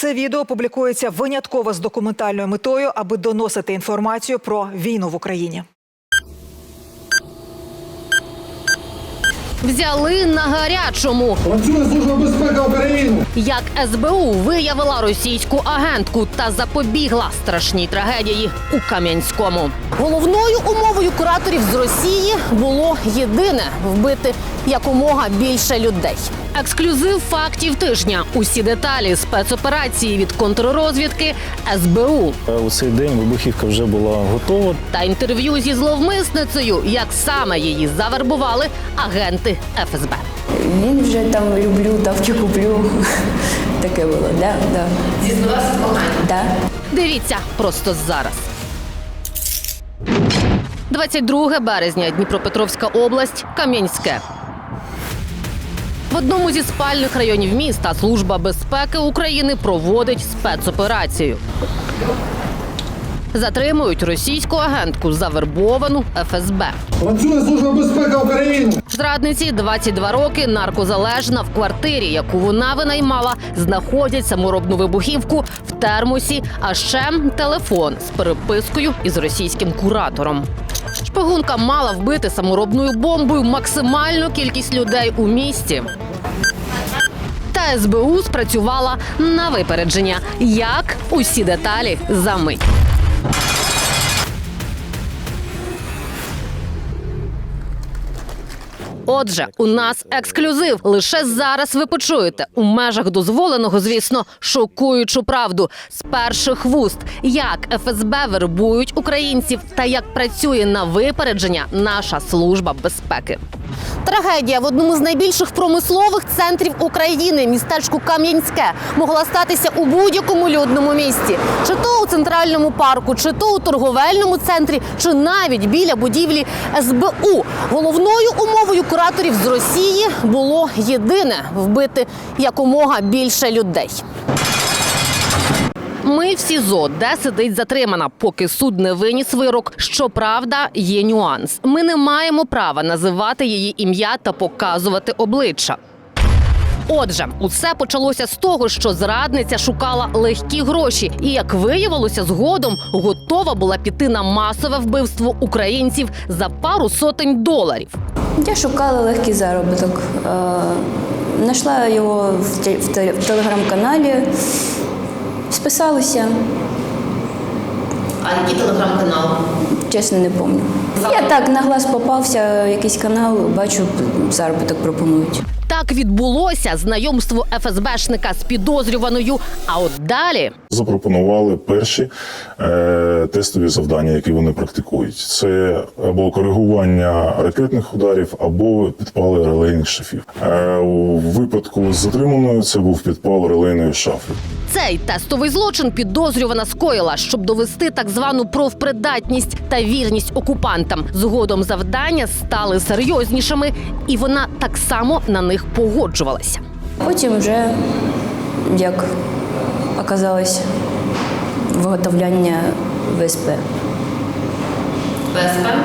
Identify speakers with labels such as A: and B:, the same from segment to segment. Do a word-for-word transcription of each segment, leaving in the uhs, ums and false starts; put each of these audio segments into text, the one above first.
A: Це відео публікується винятково з документальною метою, аби доносити інформацію про війну в Україні.
B: Взяли на гарячому.
C: Працює Служба безпеки України.
B: Як ес бе у виявила російську агентку та запобігла страшній трагедії у Кам'янському. Головною умовою кураторів з Росії було єдине – вбити якомога більше людей. Ексклюзив фактів тижня. Усі деталі спецоперації від контррозвідки ес бе у.
D: У цей день вибухівка вже була готова.
B: Та інтерв'ю зі зловмисницею, як саме її завербували агенти еф ес бе.
E: Він вже там люблю, тавки куплю. Таке було, да, да.
B: Зізнавався в коханні?
E: Да.
B: Дивіться просто зараз. двадцять друге березня, Дніпропетровська область, Кам'янське. В одному зі спальних районів міста Служба безпеки України проводить спецоперацію. Затримують російську агентку, завербовану еф ес бе.
C: Працює Служба безпеки України.
B: Зрадниці двадцять два роки, наркозалежна, в квартирі, яку вона винаймала, знаходять саморобну вибухівку в термосі, а ще телефон з перепискою із російським куратором. Шпигунка мала вбити саморобною бомбою максимальну кількість людей у місті. Та ес бе у спрацювала на випередження. Як? Усі деталі за мить. Отже, у нас ексклюзив. Лише зараз ви почуєте, у межах дозволеного, звісно, шокуючу правду з перших вуст, як еф ес бе вербують українців та як працює на випередження наша служба безпеки. Трагедія в одному з найбільших промислових центрів України, містечку Кам'янське, могла статися у будь-якому людному місці. Чи то у центральному парку, чи то у торговельному центрі, чи навіть біля будівлі ес бе у. Головною умовою кураторів з Росії було єдине – вбити якомога більше людей. Ми в СІЗО, де сидить затримана, поки суд не виніс вирок. Щоправда, є нюанс. Ми не маємо права називати її ім'я та показувати обличчя. Отже, усе почалося з того, що зрадниця шукала легкі гроші і, як виявилося згодом, готова була піти на масове вбивство українців за пару сотень доларів.
E: Я шукала легкий заробіток. Знайшла його в телеграм-каналі, списалася.
B: А який телеграм-канал?
E: Чесно, не пам'ятаю. Я так на глаз попався, якийсь канал, бачу, заробіток пропонують.
B: Так відбулося знайомство еф ес бешника з підозрюваною, а от далі...
F: Запропонували перші е, тестові завдання, які вони практикують. Це або коригування ракетних ударів, або підпали релейних шафів. Е, у випадку з затриманою це був підпал релейної шафи.
B: Цей тестовий злочин підозрювана скоїла, щоб довести так звану профпридатність та вірність окупантам. Згодом завдання стали серйознішими, і вона так само на них погоджувалася.
E: Потім вже, як оказалось, виготовляння ве ес пе.
B: ве ес пе?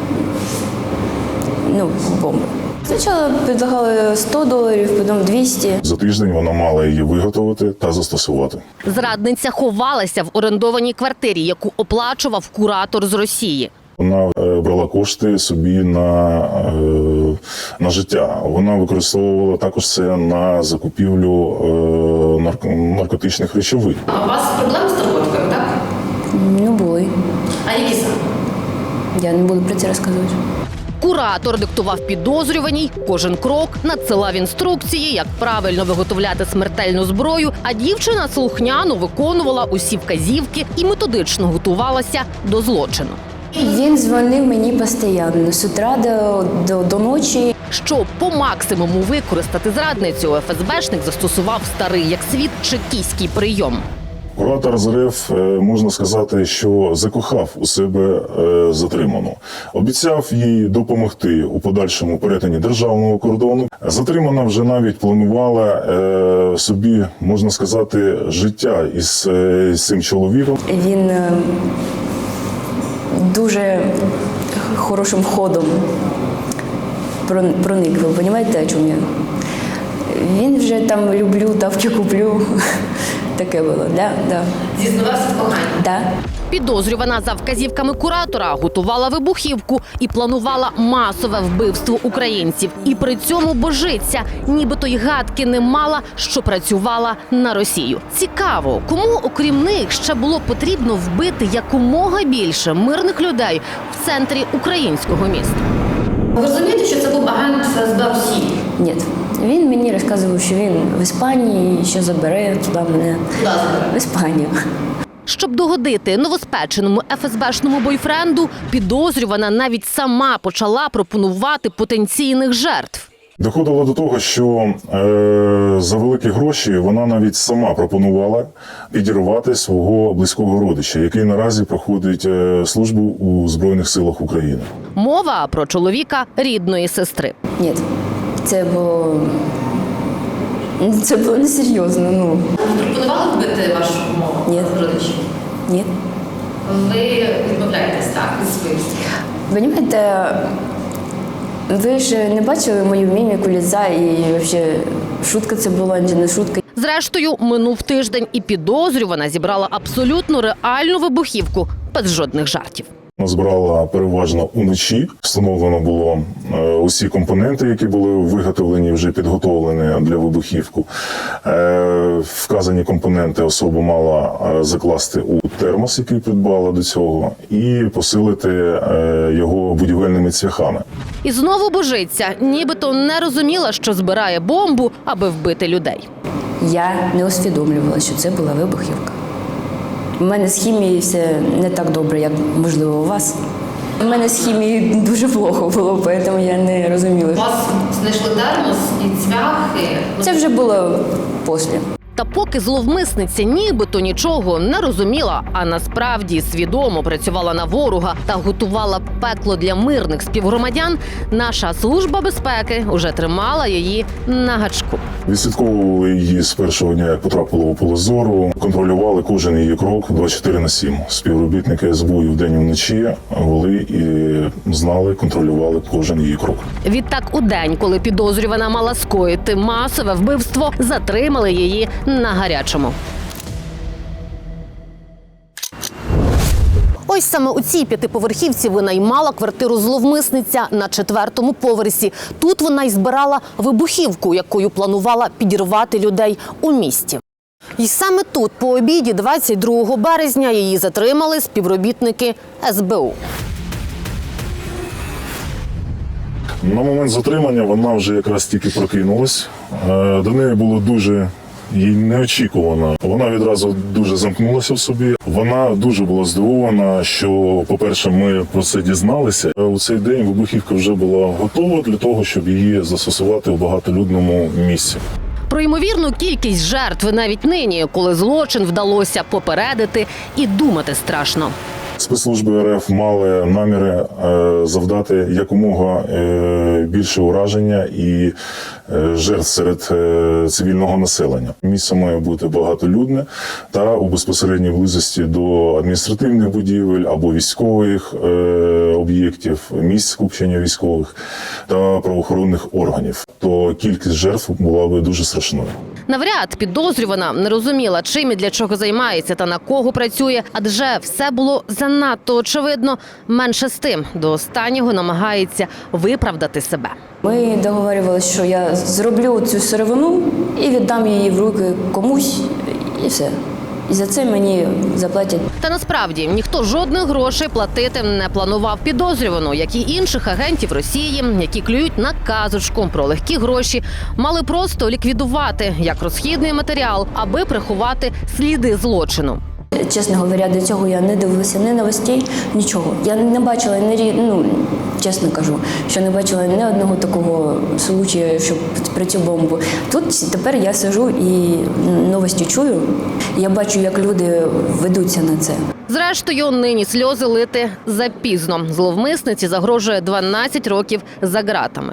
E: Ну, бомби. Спочатку предлагали сто доларів, потім двісті.
F: За тиждень вона мала її виготовити та застосувати.
B: Зрадниця ховалася в орендованій квартирі, яку оплачував куратор з Росії.
F: Вона брала кошти собі на, на життя. Вона використовувала також це на закупівлю наркотичних речовин.
B: А у вас проблеми з наркотиками, так?
E: Ну, були.
B: А які саме?
E: Я не буду про це розказувати.
B: Куратор диктував підозрюваній кожен крок, надсилав інструкції, як правильно виготовляти смертельну зброю, а дівчина слухняно виконувала усі вказівки і методично готувалася до злочину.
E: Він дзвонив мені постійно, з утра до, до, до ночі.
B: Щоб по максимуму використати зрадницю, еф ес бешник застосував старий як світ чекістський прийом.
F: Куратор з РФ, можна сказати, що закохав у себе затриману. Обіцяв їй допомогти у подальшому перетині державного кордону. Затримана вже навіть планувала собі, можна сказати, життя із, із цим чоловіком.
E: Він дуже хорошим ходом проник, ви розумієте, о чому я? Він вже там люблю, тавки куплю. Таке було, да, да.
B: Зізнавався в коханні?
E: Да.
B: Підозрювана за вказівками куратора готувала вибухівку і планувала масове вбивство українців. І при цьому божиться, нібито й гадки не мала, що працювала на Росію. Цікаво, кому, окрім них, ще було потрібно вбити якомога більше мирних людей в центрі українського міста?
G: Ви розумієте, що це був агент ФСБ Росії?
E: Ні. Він мені розказував, що він в Іспанії, що забере туди мене.
G: Куди забере?
E: В Іспанію.
B: Щоб догодити новоспеченому ефесбешному бойфренду, підозрювана навіть сама почала пропонувати потенційних жертв.
F: Доходило до того, що е, за великі гроші вона навіть сама пропонувала підірвати свого близького родича, який наразі проходить е, службу у Збройних силах України.
B: Мова про чоловіка рідної сестри.
E: Ні. Це було... Це було несерйозно, ну.
G: Пропонували вбити вашу мову?
E: Ні.
G: Родичів?
E: Ні.
G: Ви відмовляєтесь, так, від своїх слів?
E: Понимаєте, ви ж не бачили мою міміку ліця і взагалі шутка це була, чи не шутка.
B: Зрештою, минув тиждень, і підозрювана зібрала абсолютно реальну вибухівку без жодних жартів.
F: Збирала переважно уночі. Встановлено було е, усі компоненти, які були виготовлені, вже підготовлені для вибухівку. Е, вказані компоненти особа мала е, закласти у термос, який придбала до цього, і посилити е, його будівельними цвяхами.
B: І знову божиться, нібито не розуміла, що збирає бомбу, аби вбити людей.
E: Я не усвідомлювала, що це була вибухівка. У мене з хімією все не так добре, як, можливо, у вас. У мене з хімією дуже плохо було, тому я не розуміла.
G: У вас знайшли термос і цвяхи.
E: Це вже було після.
B: Та поки зловмисниця нібито нічого не розуміла, а насправді свідомо працювала на ворога та готувала пекло для мирних співгромадян, наша служба безпеки уже тримала її на гачку.
F: Відслідковували її з першого дня, як потрапила у поле зору, контролювали кожен її крок двадцять чотири на сім. Співробітники ес бе у вдень і вночі вели і знали, контролювали кожен її крок.
B: Відтак у день, коли підозрювана мала скоїти масове вбивство, затримали її на гарячому. Ось саме у цій п'ятиповерхівці винаймала квартиру зловмисниця на четвертому поверсі. Тут вона й збирала вибухівку, якою планувала підірвати людей у місті. І саме тут, по обіді, двадцять другого березня, її затримали співробітники ес бе у.
F: На момент затримання вона вже якраз тільки прокинулась. Е, До неї було дуже їй неочікувано. Вона відразу дуже замкнулася в собі. Вона дуже була здивована, що, по-перше, ми про це дізналися. У цей день вибухівка вже була готова для того, щоб її застосувати в багатолюдному місці.
B: Про ймовірну кількість жертв навіть нині, коли злочин вдалося попередити, і думати страшно.
F: Спецслужби ер еф мали наміри е, завдати якомога е, більше ураження і е, жертв серед е, цивільного населення. Місце має бути багатолюдне та у безпосередній близості до адміністративних будівель або військових е, об'єктів, місць скупчення військових та правоохоронних органів. То кількість жертв була би дуже страшною.
B: Навряд підозрювана не розуміла, чим і для чого займається та на кого працює, адже все було занадто очевидно. Менше з тим, до останнього намагається виправдати себе.
E: Ми договорювалися, що я зроблю цю сировину і віддам її в руки комусь, і все. І за це мені заплатять.
B: Та насправді ніхто жодних грошей платити не планував підозрювану, як і інших агентів Росії, які клюють на казочку про легкі гроші, мали просто ліквідувати як розхідний матеріал, аби приховати сліди злочину.
E: Чесно говоря, до цього я не дивилася ні новостей, нічого. Я не бачила, ні, ну, чесно кажу, що не бачила ні одного такого случаю, щоб про цю бомбу. Тут тепер я сиджу і новості чую, я бачу, як люди ведуться на це.
B: Зрештою, нині сльози лити запізно. Зловмисниці загрожує дванадцять років за ґратами.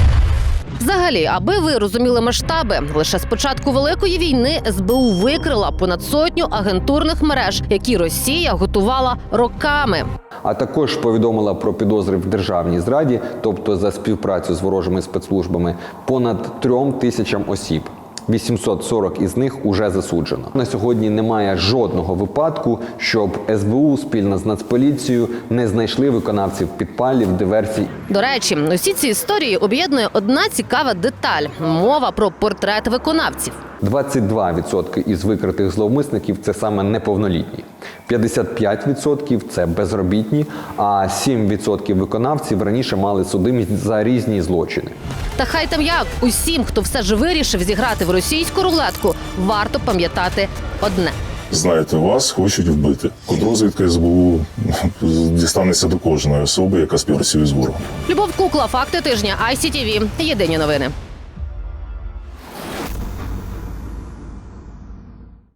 B: Взагалі, аби ви розуміли масштаби, лише з початку Великої війни ес бе у викрила понад сотню агентурних мереж, які Росія готувала роками.
H: А також повідомила про підозри в державній зраді, тобто за співпрацю з ворожими спецслужбами, понад трьом тисячам осіб. вісімсот сорок із них уже засуджено. На сьогодні немає жодного випадку, щоб ес бе у спільно з Нацполіцією не знайшли виконавців підпалів, диверсій.
B: До речі, усі ці історії об'єднує одна цікава деталь – мова про портрет виконавців.
H: двадцять два відсотки із викритих зловмисників – це саме неповнолітні. п'ятдесят п'ять відсотків – це безробітні, а сім відсотків виконавців раніше мали судимість за різні злочини.
B: Та хай там як, усім, хто все ж вирішив зіграти в російську рулетку, варто пам'ятати одне.
F: Знаєте, вас хочуть вбити. Контррозвідка ес бе у дістанеться до кожної особи, яка співпрацює з ворогом.
B: Любов Кукла, факти тижня, ай сі ті ві, єдині новини.